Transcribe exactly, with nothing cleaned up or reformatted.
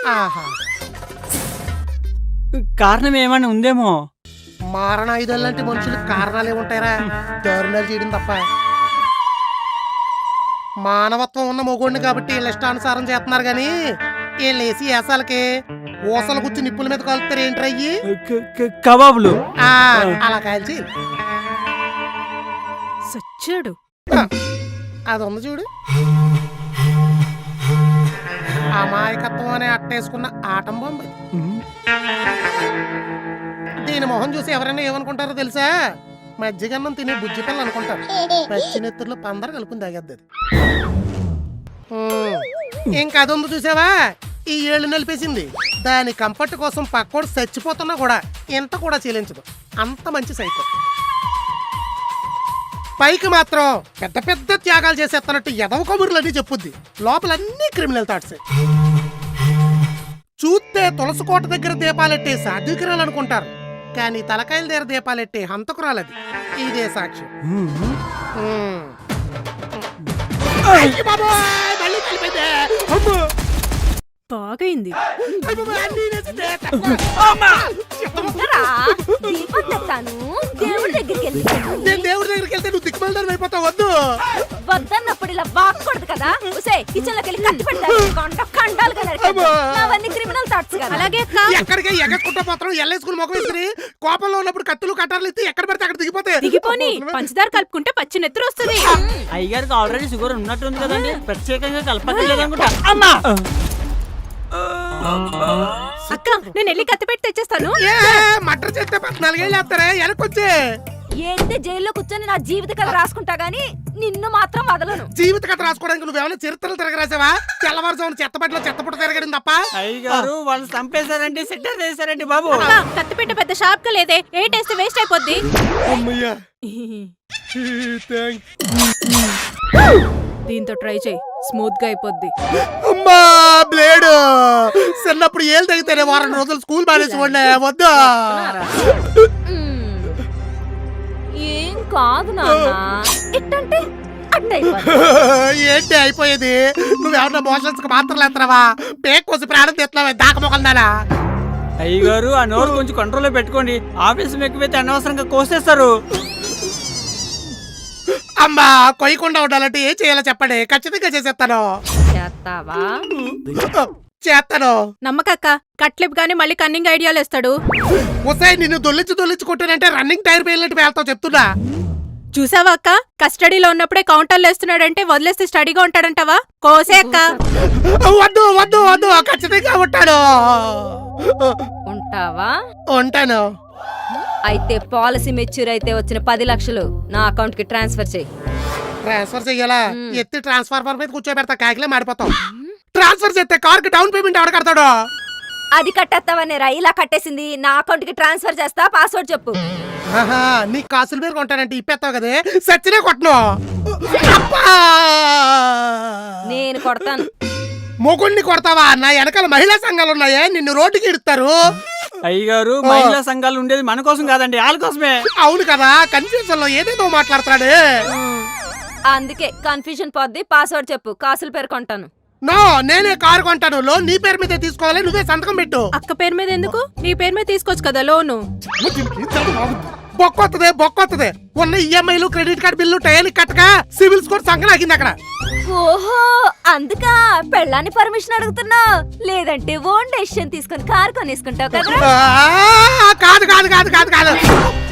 కారణం ఏమైనా ఉందేమో. మారణ ఐదు లాంటి మనుషులకు కారణాలు ఏముంటాయరా? దారుణాలు చేయడం తప్ప. మానవత్వం ఉన్న మొగోడిని కాబట్టి వీళ్ళ ఇష్టానుసారం చేస్తున్నారు గాని వీళ్ళు వేసి వేసాలకి ఊసలు గుచ్చి నిప్పుల మీద కలుపుతారు ఏంట్రయ్యి? కబాబులు అలా కాల్చి సచ్చాడు. అది ఉంది చూడు, అమాయకత్వం అనే అట్టేసుకున్న ఆటం బొమ్మ. దీని మొహం చూసి ఎవరైనా ఏమనుకుంటారో తెలుసా? మజ్జిగన్నం తినే బుజ్జి పిల్ల అనుకుంటారు. పచ్చి నెత్తుర్లో పందరు కలుపుని తాగేద్దది. ఇంకా అది ఉంది చూసావా, ఈ ఏళ్ళు నలిపేసింది. దాని కంఫర్ట్ కోసం పక్కోడు చచ్చిపోతున్నా కూడా ఎంత కూడా చెల్లించదు. అంత మంచి సైకో. పైకి మాత్రం పెద్ద పెద్ద త్యాగాలు చేసేస్తున్నట్టు ఎదవ కబుర్లన్నీ చెప్పుద్ది. లోపలన్నీ క్రిమినల్ థాట్స్. చూస్తే తులసి కోట దగ్గర దీపాలెట్టే సాధ్వికురాలనుకుంటారు, కానీ తలకాయల దగ్గర దీపాలెట్టే హంతకురాలది. ఇదే సాక్ష్యం. బాగైంది. దేవుడి దగ్గరికి వెళ్తే నువ్వు దిక్కుమల్దారు అయిపోతావు. వద్దు వద్దన్నప్పుడు ఇలా బాక్కూడదు కదా. కిచెన్ లోకి వెళ్ళి కట్టి పెడతాను. క్రిమినల్ థాట్స్ కదా. అలాగే ఎక్కడికి ఎగట్టుకుంటా పోతాం. ఎల్లేసుకుని మొక్క వేసుకుని కోపంలో ఉన్నప్పుడు కత్తులు కట్టాలు ఇస్తే ఎక్కడ పెడితే అక్కడ దిగిపోతే దిగిపోని పంచదార కలుపుకుంటే పచ్చి నెత్తురు వస్తుంది. అయ్యగారికి ఆల్రెడీ షుగర్ ఉన్నట్టుంది కదండి, ప్రత్యేకంగా కలపట్లేదనుకుంటా. అమ్మా అక్క, నేను వెళ్ళి కత్తి పెట్టి తెచ్చేస్తాను. మటర్ చేస్తే పద్నాలుగేళ్ళు వేస్తారే వెనకొచ్చే. ఏంటి జైల్లో కూర్చొని నా జీవిత కథ రాసుకుంటా గానీ నిన్ను మాత్రం వదలను. జీవిత కథ రాసుకోవడానికి నువ్వేమైనా చరిత్రలు తిరగరాసావా? తెల్లవారుజామున చెత్తబడిలో చెత్తపుట్ట తిరగడం తప్ప. అయ్యగారు వాళ్ళు చంపేశారండి, సెట్టర్ చేశారండి బాబు. కత్తి పెట్ట పెద్ద షార్ప్ గా లేదే, ఏ టేస్ట్ వేస్ట్ అయిపోద్ది. దీంతో ట్రై చేయి, స్మూత్ గా అయిపోద్ది. అమ్మా బ్లేడ్ చిన్నప్పుడు ఏళ్ళు తగ్గితేనే వారం రోజులు స్కూల్ మానేసి ఉండే. వద్దా ఏం కాదు నాన్న, ఇట్టంటే ఏంటి అయిపోయేది? నువ్వేమన్నా మోషన్స్ కి మాత్రం లేస్తున్నావా? పేక్ కోసి ప్రాణం తెస్తున్నావా? దాక మొక్కలుదానా? అయ్యగారు ఆ నోరు కొంచెం కంట్రోల్లో పెట్టుకోండి. ఆఫీసు ఎక్కువైతే అనవసరంగా కోసేస్తారు. అమ్మా కొయ్యకుండా ఉండాలంటే ఏం చేయాలో చెప్పండి, ఖచ్చితంగా చేసేస్తాను. చేస్తావా? చేస్తాను. నమ్మకక్క, కట్లిప్ గానీ మళ్ళీ కన్నింగ్ ఐడియాలు ఇస్తాడు. ఒసాయి నిన్ను దొల్లించి దొల్లించి కొట్టానంటే రన్నింగ్ టైర్ పేలినట్టు పేలుతావు చెప్తున్నా. చూసావా అక్క, కస్టడీలో ఉన్నప్పుడే కౌంటర్లు వేస్తున్నాడంటే వదిలేస్తే స్టడీగా ఉంటాడంటావా? కోసే అక్క. వద్దు వద్దు వద్దు, ఖచ్చితంగా ఉంటాను. ఉంటావా? ఉంటాను. అయితే పాలసీ మెచ్యూర్ అయితే వచ్చిన పది లక్షలు నా అకౌంట్ కి ట్రాన్స్ఫర్ చేయి. ట్రాన్స్ఫర్ చెయ్యాలా? ఎత్తి ట్రాన్స్ఫార్మర్ మీద కూర్చోబెడతా, కాకిలే మాడిపోతాం. ట్రాన్స్ఫర్ చేస్తే కార్ కి డౌన్ పేమెంట్ ఎవరు కడతాడు? అది కట్టేస్తావనే రా, ఇలా కట్టేసింది. నా అకౌంట్ కి ట్రాన్స్ఫర్ చేస్తా, పాస్వర్డ్ చెప్పు. నీ కాసుల మీద కొంటానంటే ఇప్పేస్తావు కదే, సచ్చినే కొట్టను. నేను కొడతాను. మొగుణ్ణి కొడతావా? నా వెనకాల మహిళా సంఘాలు ఉన్నాయే, నిన్ను రోడ్డుకి ఇడతారు. అయ్యగారు మహిళా సంఘాలు ఉండేది మన కోసం కాదండి, వాళ్ళ కోసమే. అవును కదా, కన్ఫ్యూజన్ లో ఏదేదో మాట్లాడతాడు. అందుకే కన్ఫ్యూజన్ పోద్ది. పాస్వర్డ్ చెప్పు, కాసులు పేరు కొంటాను. నో, నేనే కారు కొంటాను. లోన్ నీ పేరు మీద తీసుకోవాలి, నువ్వే సంతకం పెట్టు. అక్క పేరు మీద ఎందుకు? నీ పేరు మీద తీసుకోవచ్చు కదా లోను. బొక్కొత్తదే బొక్కొత్తదే. ఉన్న ఈఎంఐలు క్రెడిట్ కార్డు బిల్లు టయానికి కట్టక సివిల్ స్కోర్ సంకనాగింది అక్కడ. ఓహో, అందుకా పెళ్ళాన్ని పర్మిషన్ అడుగుతున్నా? లేదంటే ఓన్ డెసిషన్ తీసుకొని కారు కొనేసుకుంటావు కదా. కాదు కాదు కాదు కాదు కాదు